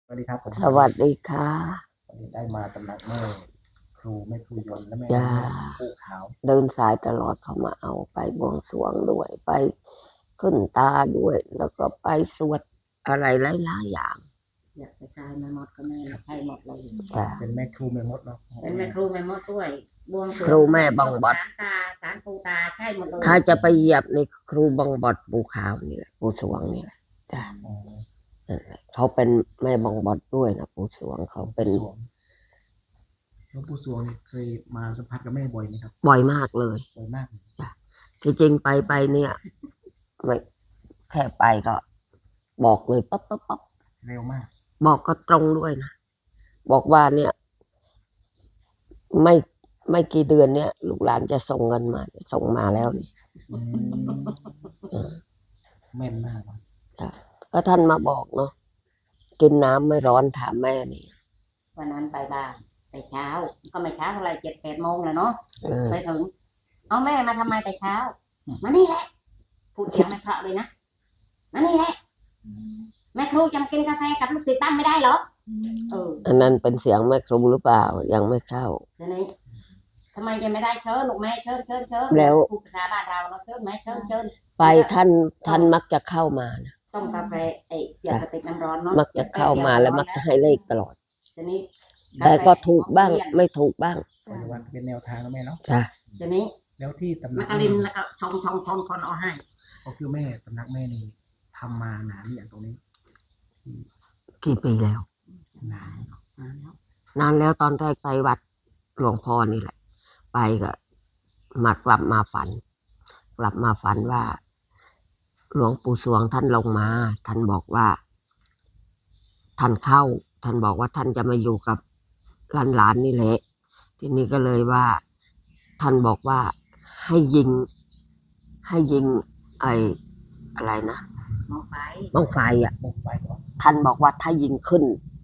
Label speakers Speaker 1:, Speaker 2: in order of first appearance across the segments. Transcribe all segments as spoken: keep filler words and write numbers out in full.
Speaker 1: สวัสดีครับผม
Speaker 2: สวัสดีค่ะ
Speaker 1: วันนี้ได้มาตำหนักแม่ครูแม่ครูยนต์และแม่
Speaker 2: จะ
Speaker 1: แม่ผู้ขาว
Speaker 2: เดินสายตลอดเขามาเอาไปบวงสรวงด้วยไปขึ้นตาด้วย แล้วก็ไปสวดอะไรหลายๆอย่าง
Speaker 3: อยากจะใช้แม่มดก็แม่ใช้หมดเลย
Speaker 2: จ้ะ
Speaker 1: เป็นแม่ครูแม่มดเนาะ
Speaker 3: เป็นแม่ครูแม่มดด้วยบวงสรวง
Speaker 2: ครูแม่บังบด
Speaker 3: ศาลตาศาลปูตาใช่หมดเลย
Speaker 2: ถ้าจะไปเหยียบในครูบังบดปูขาวนี่แหละปูสวงนี่แหละจ้ะนั่นแหละเขาเป็นแม่บังบดด้วยนะปูสวงเขาเป็น
Speaker 1: สวงหลวงปู่สวงนี่เคยมาสัมผัสกับแม่บ่อยไหมครับ
Speaker 2: บ่อยมากเลย
Speaker 1: บ่อยมาก
Speaker 2: จ้ะที่จริงไปไปเนี่ยไม่แค่ไปก็ บอกเลยปั๊บปั๊บปั๊บ
Speaker 1: เร็วมาก
Speaker 2: บอกก็ตรงด้วยนะบอกว่าเนี่ย ไม่ไม่กี่เดือนเนี่ยลูกหลานจะส่งเงินมาส่งมาแล้วนี่
Speaker 1: อืมแม่นมากครับ
Speaker 2: จ้ะก็ท่านมาบอกเนาะกินน้ำไม่ร้อนถามแม่นี่
Speaker 3: วันนั้นไปบ้านแต่เช้าก็ไม่เช้าเท่าไรเจ็ดแปดโมงแล้วเนาะ
Speaker 2: เออ
Speaker 3: ไปถึงเอาแม่มาทำไมแต่เช้ามานี่แหละพูดเสียงไม่เพราะเลยนะมานี่แหละแม่ครูจำกินกาแฟกับลูกศิษย์ตั้มไม่ได้เหรอเออ
Speaker 2: อันนั้นเป็นเสียงแม่ครูหรือเปล่ายังไม่เข้า
Speaker 3: ทีนี้ทำไมจะไม่ได้เชิญลูกแม่เชิญเชิญเชิญ
Speaker 2: แล้ว
Speaker 3: พูดภาษาบ้านเราเนาะเชิญแม่เชิญเชิญ
Speaker 2: ไปท่านท่านมักจะเข้ามานะ
Speaker 3: ต้มกาแฟไอเสียบกระติกน้ำร้อนเนาะ
Speaker 2: มักจะเข้ามาแล้วมักจะให้เลขตลอด
Speaker 3: ทีนี้
Speaker 2: แต่ก็ถูกบ้างไม่ถูกบ้าง
Speaker 1: ปัจจุบันเป็นแนวทางแล้วแม่เนาะ
Speaker 2: จ้ะ
Speaker 3: ทีนี้
Speaker 1: แล้วที่ตำห
Speaker 3: มั
Speaker 1: นั
Speaker 3: ก
Speaker 1: ก
Speaker 3: กะลินแล้วก็ชงชงชงคนเอาให้
Speaker 1: ก็คือแม่ตำหนักแม่นี่ทำมานานหรือยังตรงนี้
Speaker 2: กี่ปีแล้ว
Speaker 1: นาน
Speaker 3: อ่าแล้ว
Speaker 2: นานแล้วตอนแรกไปวัดหลวงพ่อนี่แหละ ไปก็มากลับมาฝัน กลับมาฝันว่า หลวงปู่สวงท่านลงมา ท่านบอกว่า ท่านเข้า ท่านบอกว่าท่านจะมาอยู่กับหลานๆนี่แหละ ทีนี้ก็เลยว่า ท่านบอกว่าให้ยิง ให้ยิง ไออะไรนะ
Speaker 3: มองไป
Speaker 2: บ้องไฟอ่ะ
Speaker 1: บุกไปก่อน
Speaker 2: ท่านบอกว่าถ้ายิงขึ้น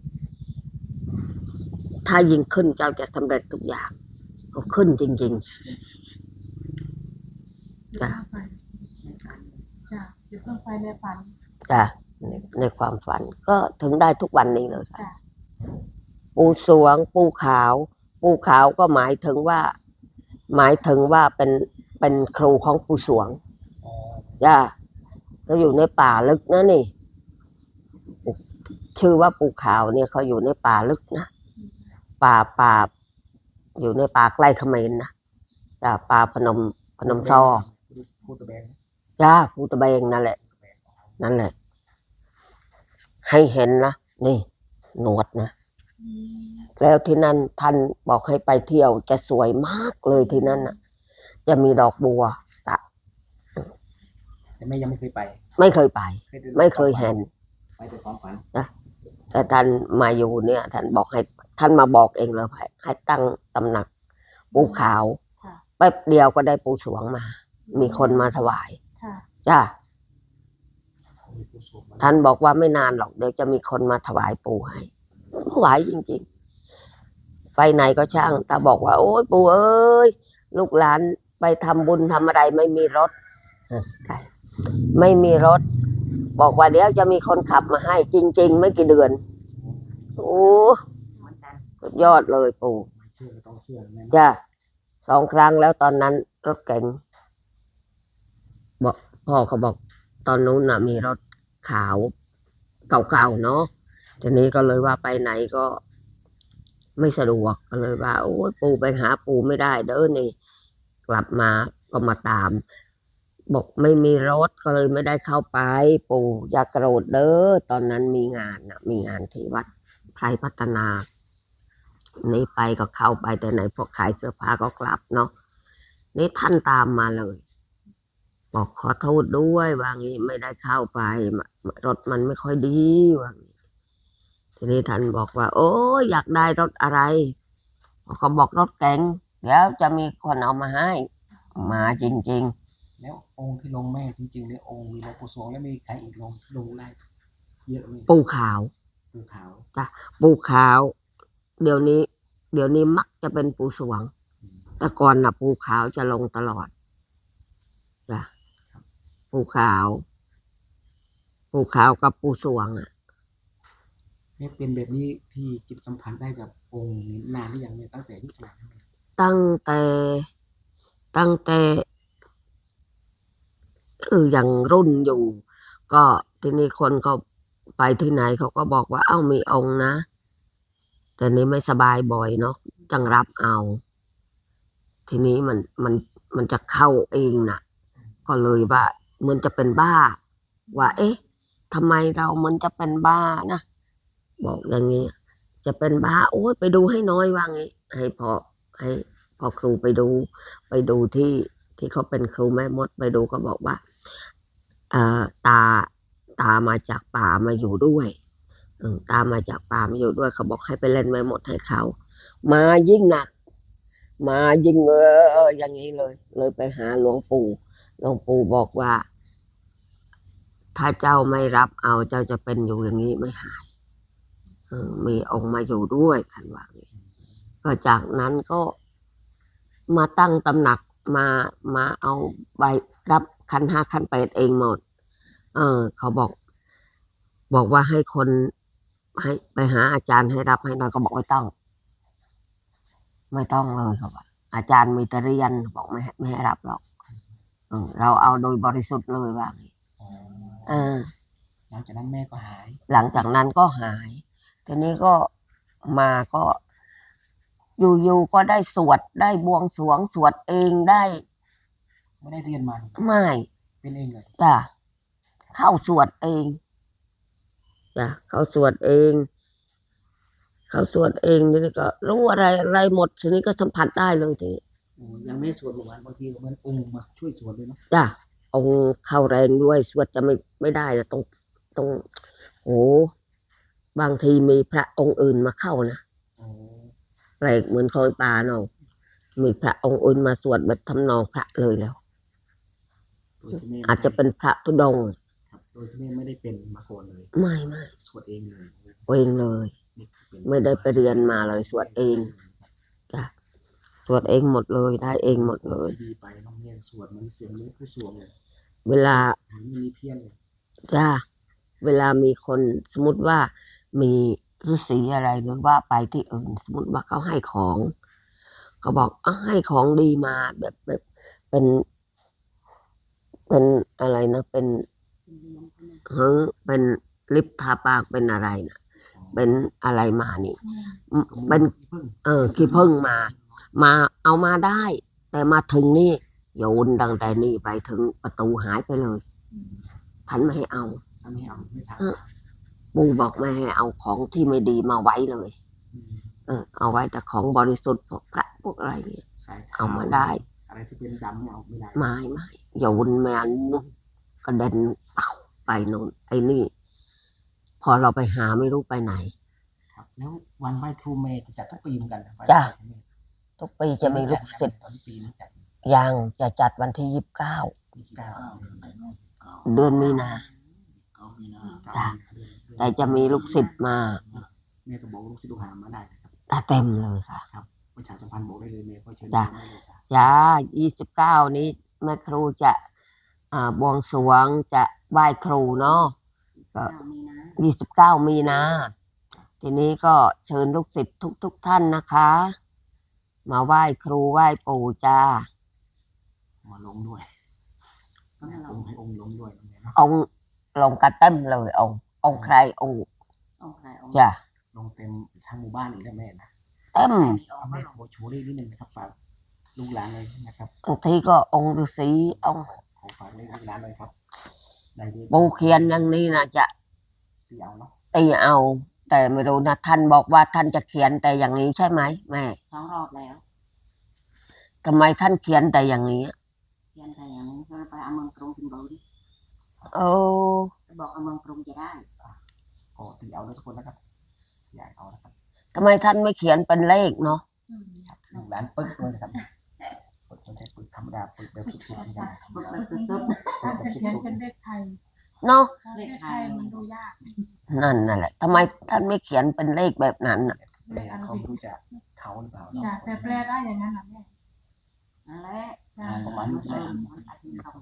Speaker 2: ถ้ายิงขึ้นเจ้าจะสำเร็จทุกอย่าง ก็ขึ้นจริงๆจ้ะ
Speaker 4: จ้ะอยู่เครื่องไฟในฝัน
Speaker 2: จ้ะในในความฝัน ก็ถึงได้ทุกวันนี้เลยค่ะ
Speaker 4: จ้ะ
Speaker 2: ปูสวง ปูขาว ปูขาวก็หมายถึงว่า หมายถึงว่าเป็นเป็นครูของปูสวง
Speaker 1: อ๋อ
Speaker 2: จ้ะเขาอยู่ในป่าลึกนะนี่ ชื่อว่าปูขาวเนี่ยเขาอยู่ในป่าลึกนะ ป่าป่า อยู่ในป่าใกล้เขมรนะจ้ะป่าพนมพนมซอ
Speaker 1: พูดตะแบง
Speaker 2: จ้าภูตะเบงนั่นแหละ นั่นแหละ ให้เห็นนะนี่หนวดนะแล้วที่นั่นท่านบอกให้ไปเที่ยวจะสวยมากเลยที่นั่นน่ะ จะมีดอกบัวสระ
Speaker 1: แต่แม่ยังไม่เคยไป
Speaker 2: ไม่เคยไป
Speaker 1: เคยดู
Speaker 2: ไม่เคยเห็น
Speaker 1: ไปแต่ความฝัน
Speaker 2: แต่ท่านมาอยู่เนี่ย ท่านบอกให้ ท่านมาบอกเองเลยให้ให้ตั้งตำหนักปูขาว
Speaker 4: ค่ะ
Speaker 2: แป๊บเดียวก็ได้ปูสวงมา มีคนมาถวาย
Speaker 4: ค่ะ
Speaker 2: จ้า
Speaker 1: มีผู้ชมมา
Speaker 2: ท่านบอกว่าไม่นานหรอกเดี๋ยวจะมีคนมาถวายปู่ให้ถวายจริงๆ ไปไหนก็ช่างตาบอกว่าโอ๊ยปู่เอ้ยลูกหลานไปทำบุญทำอะไรไม่มีรถเออใช่ไม่มีรถ บอกว่าเดี๋ยวจะมีคนขับมาให้ จริง ๆ ไม่กี่เดือน โอ้
Speaker 3: เหมือนกัน
Speaker 2: สุดยอดเลยปู่
Speaker 1: ไม่เชื่อก็ต้องเชื่อแม่
Speaker 2: จ้าสองครั้งแล้วตอนนั้นรถเก๋งบอกพ่อเขาบอก ตอนนู้นน่ะ มีรถขาว เก่าๆเนาะทีนี้ก็เลยว่าไปไหนก็ไม่สะดวกก็เลยว่าโอ้ยปู่ไปหาปู่ไม่ได้เด้อนี่ กลับมาก็มาตาม บอกไม่มีรถก็เลยไม่ได้เข้าไป ปู่อย่ากโกรธเด้อตอนนั้นมีงานน่ะ มีงานที่วัดไพรพัฒนานี่ไปก็เข้าไปแต่ไหนพวกขายเสื้อผ้าก็กลับเนาะนี่ท่านตามมาเลย บอกขอโทษด้วยว่างี้ไม่ได้เข้าไปรถมันไม่ค่อยดีว่างี้ทีนี้ท่านบอกว่า โอ้ยอยากได้รถอะไรเขาบอกรถเก๋งเดี๋ยวจะมีคนเอามาให้ มาจริง
Speaker 1: แล้วองค์ที่ลงแม่จริงๆเนี่ยองค์มีหลวงปู่สวงแล้วมีใครอีกลงลงได้เยอะไหม
Speaker 2: ๆ ปูขาว
Speaker 1: ปู่ขาว
Speaker 2: ปูขาว เดี๋ยวนี้ เดี๋ยวนี้มักจะเป็นปูสวง แต่ก่อนน่ะ ปูขาวจะลงตลอดจ้ะปูขาว ปูขาวกับปูสวงอ่ะ
Speaker 1: แม่เป็นแบบนี้ที่จิตสัมผัสได้กับองค์นี้นานหรือยังเนี่ยตั้งแต่ที่เกิด
Speaker 2: ตั้งแต่ตั้งแต่เออยังรุ่นอยู่ ก็ทีนี้คนเขาไปที่ไหนเขาก็บอกว่าเอ้ามีองค์นะ แต่นี้ไม่สบายบ่อยเนาะจังรับเอา ทีนี้มันมันมันจะเข้าเองน่ะ ก็เลยว่ามันจะเป็นบ้า ว่า เอ๊ะทำไมเรามันจะเป็นบ้านะบอกอย่างนี้ จะเป็นบ้า โอ้ยไปดูให้น้อยว่างี้ ให้พอให้พอครูไปดู ไปดูที่ที่เขาเป็นครูแม่มดไปดูเขาบอกว่าเอ่อตาตามาจากป่ามาอยู่ด้วยเออตามาจากป่ามาอยู่ด้วยเขาบอกให้ไปเล่นแม่มดให้เขา มายิ่งหนัก มายิ่งเอออย่างนี้เลย เลยไปหาหลวงปู่หลวงปู่บอกว่า ถ้าเจ้าไม่รับเอาเจ้าจะเป็นอยู่อย่างนี้ไม่หายเออมีองค์มาอยู่ด้วยท่านว่าอย่างนี้ก็จากนั้นก็มาตั้งตำหนักมามาเอาใบรับขันห้าขันแปดเองหมด เออ เขาบอก บอกว่าให้คนให้ไปหาอาจารย์ให้รับให้หน่อยก็บอกไม่ต้อง ไม่ต้องเลยครับว่าอาจารย์มีแต่เรียนบอกไม่ให้ไม่ให้รับหรอกเออเราเอาโดยบริสุทธิ์เลยว่างี้เออ
Speaker 1: หลังจากนั้นแม่ก็หาย
Speaker 2: หลังจากนั้นก็หาย ทีนี้ก็มาก็ อยู่ๆก็ได้สวดได้บวงสรวงสวดเองได้
Speaker 1: ไม่ได้เรียนมา
Speaker 2: ไม่
Speaker 1: เป็นเองเลย
Speaker 2: จ้ะเข้าสวดเองจ้ะเข้าสวดเอง เข้าสวดเองทีนี้ก็รู้อะไรอะไรหมดทีนี้ก็สัมผัสได้เลยทีนี้
Speaker 1: โอ้ยังไม่สวดเมื่อวานบางทีมันองค์มาช่วยสวดด้วยเนาะ
Speaker 2: จ้ะองค์เข้าแรงด้วยสวดจะไม่ไม่ได้นะตรงตรงโอ้บางทีมีพระองค์อื่นมาเข้านะ
Speaker 1: โอ้
Speaker 2: แปลกเหมือนคอยปลาเนาะมีพระองค์อื่นมาสวดแบบทำนองพระเลยแล้ว
Speaker 1: โดยที่แม่
Speaker 2: อาจจะเป็นพระธุดงค์
Speaker 1: ครับโดยที่แม่ไม่ได้เป็นมาก่อนเลย
Speaker 2: ไม่ไม่
Speaker 1: สวดเองเลย
Speaker 2: เองเลย
Speaker 1: นี่เป็น
Speaker 2: ไม่ได้ไปเรียนมาเลยสวดเองจ้ะสวดเองหมดเลยได้เองหมดเลย
Speaker 1: ดีไปน้องแม่สวดมันเสียงเลือดผู้สวงเลย
Speaker 2: เวลา
Speaker 1: หางมันมีเพี้ยนเลย
Speaker 2: จ้าเวลามีคนสมมติว่ามีฤาษีอะไรหรือว่าไปที่อื่น สมมติว่าเขาให้ของเขาบอกอ่ะให้ของดีมาแบบแบบเป็น เป็นอะไรนะเป็นเฮ้ยเป็นลิปทาปากเป็นอะไรนะเป็นอะไรมานี่อืมเป็น
Speaker 1: เพิ่ง
Speaker 2: เออขี้ผึ้งมา มาเอามาได้ แต่มาถึงนี่โยนตั้งแต่นี่ไปถึงประตูหายไปเลยท่านไม่ให้เอา
Speaker 1: ทำให้เอาไม่ทัน
Speaker 2: ปู่บอกไม่ให้เอาของที่ไม่ดีมาไว้เลย เออ เอาไว้แต่ของบริสุทธิ์พวกพระพวกอะไรเนี่ย
Speaker 1: สายขว
Speaker 2: เอามาได้
Speaker 1: อะไรที่เป็นดำเนี่ยเอาไม่ได้
Speaker 2: ไม่ไม่โยนแมนกระเด็นเป่าไปโน่นไอ้นี่ พอเราไปหาไม่รู้ไปไหน
Speaker 1: ครับ แล้ววันไหว้ครูเมย์จะจัดทุกปีเหมือนกันนะไหว้
Speaker 2: จ้ะ
Speaker 1: ครูเมย์
Speaker 2: ทุกปีจะมีลูกศิษย์
Speaker 1: ตอนปีนี้จัด
Speaker 2: ยังจะจัดวันที่ยี่สิบเก้า
Speaker 1: ยี่สิบเก้า
Speaker 2: เดือนมีนา
Speaker 1: เก้ามีนา
Speaker 2: จ้ะ แต่จะมีลูกศิษย์มา
Speaker 1: แม่ก็บอกลูกศิษย์ลูกหามาได้นะครับ
Speaker 2: ตาเต็มเลยค่ะ
Speaker 1: ประชาสัมพันธ์บอกได้เลยแม่ก็เชิญ
Speaker 2: จ้ะ
Speaker 1: ได้เลยจ้ะ
Speaker 2: จ้ายี่สิบเก้านี้แม่ครูจะอ่าบวงสรวงจะไหว้ครูเนาะก็
Speaker 3: เรามีนะ
Speaker 2: ยี่สิบเก้ามีนา ทีนี้ก็เชิญลูกศิษย์ทุกทุกๆท่านนะคะ มาไหว้ครูไหว้ปู่จ้า
Speaker 1: มาลงด้วย
Speaker 3: ก็ให้เรา
Speaker 1: องค์ให้องค์ลงด้วยนะแม่เนาะ
Speaker 2: องค์ลงกระเต็มเลยองค์องค์ใครองค์
Speaker 3: เอาใครเอา
Speaker 2: จ้ะ
Speaker 1: ลงเต็มทั้งหมู่บ้านอีกแล้วแม่นะ
Speaker 2: เต็ม
Speaker 3: เอา
Speaker 1: เอา
Speaker 3: ไม่
Speaker 1: แม่
Speaker 3: เอา
Speaker 1: โบโชว์ได้นิดนึงนะครับฝากลูกหลานเลยนะครับ
Speaker 2: บางทีก็องค์ฤาษีองค์
Speaker 1: ขอฝากเลขลูกหลานเลยครับได้ดี
Speaker 2: ปูเขียนอย่างนี้นะจะ
Speaker 1: สีเอาเนาะ
Speaker 2: ตีเอา แต่ไม่รู้นะท่านบอกว่าท่านจะเขียนแต่อย่างนี้ใช่ไหมแม่
Speaker 3: สองรอบแล้ว
Speaker 2: ทำไมท่านเขียนแต่อย่างนี้
Speaker 3: เพียงแต่อย่างนี้ก็ไปเอาเมืองกรุงกินเบอร์ดิ
Speaker 2: โอ้
Speaker 3: ไปบอกเอาเมืองกรุงจะได้
Speaker 1: ก็ตีเอาด้วยทุกคนนะครับอยากเอานะครับ
Speaker 2: ทำไมท่านไม่เขียนเป็นเลขเนาะ
Speaker 1: ครับลูกหลานปึ๊กด้วยนะครับปึ๊กไม่ใช่ปึ๊กธรรมดาปึ๊กแบบสุดๆไม่ใช่
Speaker 3: ปึ๊บปึ๊บปึ๊บปึ๊บ
Speaker 4: ท่านจะเขียนเป็นเลขไทย
Speaker 2: เนาะ
Speaker 4: เลขไทยมันดูยาก
Speaker 2: นั่นนั่นแหละทำไมท่านไม่เขียนเป็นเลขแบบนั้นน่ะ
Speaker 1: แม่เขาไม่รู้จะเขาหรือเปล่าเนาะ
Speaker 4: จ้ะแต่แปลได้อย่างนั้นนะแม่
Speaker 3: นั่นแหละ
Speaker 4: จ้ะ
Speaker 1: ประมาณ
Speaker 3: มั
Speaker 1: นี้
Speaker 3: น
Speaker 1: แห
Speaker 3: เอ
Speaker 1: ละ
Speaker 3: อมันตัดทิ้งเขา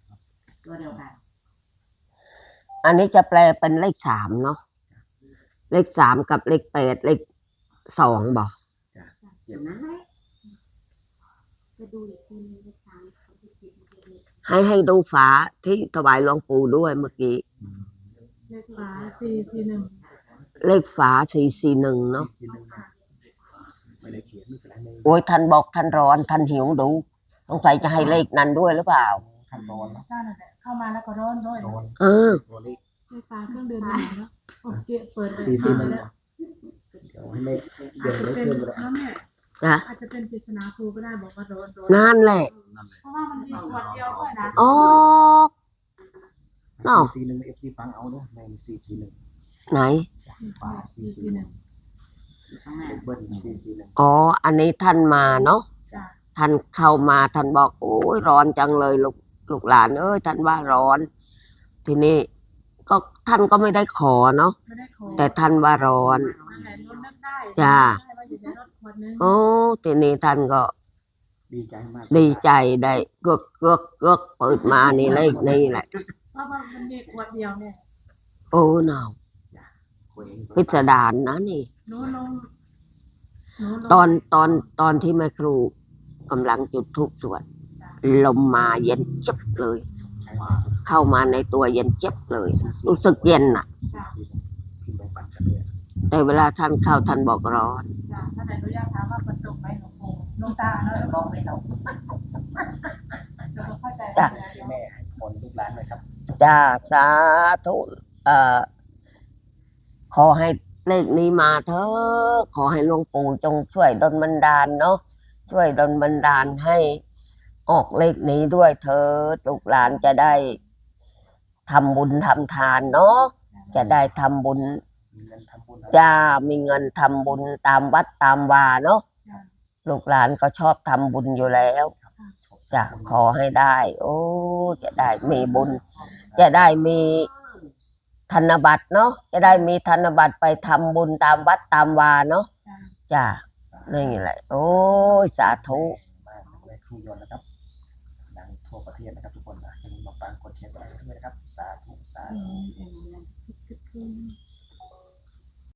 Speaker 3: ตัวเดียวกัน
Speaker 2: อันนี้จะแปลเป็นเลขสามเนาะเลขสามกับเลขแปดเลขสองบอก
Speaker 3: อย่างนั้นแหละจะดูอีกทีนึงเลขสามกับเลขเจ็ดมันจะเลข
Speaker 2: ให้ให้ดูฝาที่ถวายหลวงปู่ด้วยเมื่อกี้
Speaker 4: เลขฝาสี่สี่หนึ่ง
Speaker 2: เลขฝาสี่สี่หนึ่งเนาะ
Speaker 1: สี่หนึ่งไม่ได้เขียนไม่เป็นไรเลย
Speaker 2: โอ้ยท่านบอกท่านร้อนท่านหิวดูสงสัยจะให้เลขนั้นด้วยหรือเปล่า
Speaker 1: ขั้นตอนนะ
Speaker 4: ก็นั่นแหละเข้ามาแล้วก็ร้อนด้วย
Speaker 1: โดน
Speaker 2: เออ
Speaker 1: ตัวเลข
Speaker 4: เลขฝาเครื่องดื่มหนึ่งเนาะโอเคเปิดเลย
Speaker 1: สี่สี่หนึ่ง
Speaker 4: แล้ว
Speaker 1: เดี๋ยวให้เลขเดี๋
Speaker 4: อา
Speaker 1: ยว
Speaker 4: จจะ
Speaker 1: เลข
Speaker 4: เป็น
Speaker 1: เพิ่มไปแล้ว
Speaker 4: แล้วแม่
Speaker 2: นะ
Speaker 4: อาจจะเป็นปริศนาครูก็ได้บอกว่าร้อนร้อน
Speaker 2: นั่นแหละ
Speaker 4: เพราะว่ามันมีขวดเดียวด้วยนะ
Speaker 2: อ๋อ เนาะ
Speaker 1: สี่สี่หนึ่งเอฟซีฟังเอาเนาะในสี่สี่หนึ่ง
Speaker 2: ไหน
Speaker 1: ฝาสี่
Speaker 4: สี่
Speaker 1: สี่
Speaker 4: สี่
Speaker 1: ห
Speaker 4: ห
Speaker 1: นึ่
Speaker 4: นึ่
Speaker 1: ง
Speaker 4: ง
Speaker 1: เลขเบิ้ลสี่สี่หนึ่ง
Speaker 2: อ๋อ อันนี้ท่านมาเนาะ
Speaker 4: จ้ะ
Speaker 2: ท่านเข้ามาท่านบอกโอ้ยร้อนจังเลยลูกลูกหลานเอ้ยท่านว่าร้อน ทีนี้ก็ท่านก็ไม่ได้ขอเนาะ
Speaker 4: ไม่ได้ขอ
Speaker 2: แต่ท่านว่าร้อน
Speaker 4: นั่นแหละรถนึกได้
Speaker 2: จ้ะ
Speaker 4: ได้ว่าอยู่ในรถขวดนึง
Speaker 2: โอ้ทีนี้ท่านก็
Speaker 1: ดีใจมาก
Speaker 2: ดีใจได้เกือกเกือกเกือกเปิดมานี่เลขนี่แหละ
Speaker 4: เพราะว่ามันมีขวดเดียวเนี่ย
Speaker 2: โอ้เนาะ
Speaker 1: คุยเอง
Speaker 2: พิสดารนะนี่
Speaker 4: หนูลงหนูลง
Speaker 2: ตอนตอนตอนที่แม่ครูกำลังจุดธูปสวดลมมาเย็นเจ็บเลย
Speaker 1: ใช้
Speaker 2: เข้ามาในตัวเย็นเจ็บเลย รู้สึกเย็นน่ะ
Speaker 1: พิมพ์ไปปั่นกันเนี่ย
Speaker 2: แต่เวลาท่านเข้าท่านบอกร้อน
Speaker 4: จ้ะถ้าไหนหนูอยากถามว่าฝนตกไหมหลวงปู่หลวงตาเนาะแล้วบอกไม่ตกเดี๋ยวเข้าใจ
Speaker 2: จ้ะ
Speaker 4: เดี๋ยว
Speaker 1: แม่ให้คนลูกหลานหน่อยครับ
Speaker 2: จ้าสาธุเอ่อขอให้เลขนี้มาเถอะขอให้หลวงปู่จงช่วยดลบันดาลเนาะช่วยดลบันดาลให้ออกเลขนี้ด้วยเถิดลูกหลานจะได้ทำบุญทำทานเนาะจะได้ทำบุญ
Speaker 1: มีเงินทำบุญ
Speaker 2: จะมีเงินทำบุญตามวัดตามวาเนาะลูกหลานก็ชอบทำบุญอยู่แล้วจะขอให้ได้ โอ้จะได้มีบุญ จะได้มีธนบัตรเนาะจะได้มีธนบัตรไปทำบุญตามวัดตามวาเนาะจ้ะนี่แหละ โอ้ยสาธุ
Speaker 1: มากเลยครูยนต์นะครับดังทั่วประเทศนะครับทุกคนนะอย่าลืมมาฟังกดแชร์กดไลค์ด้วยนะครับสาธุสาธุ
Speaker 4: อืม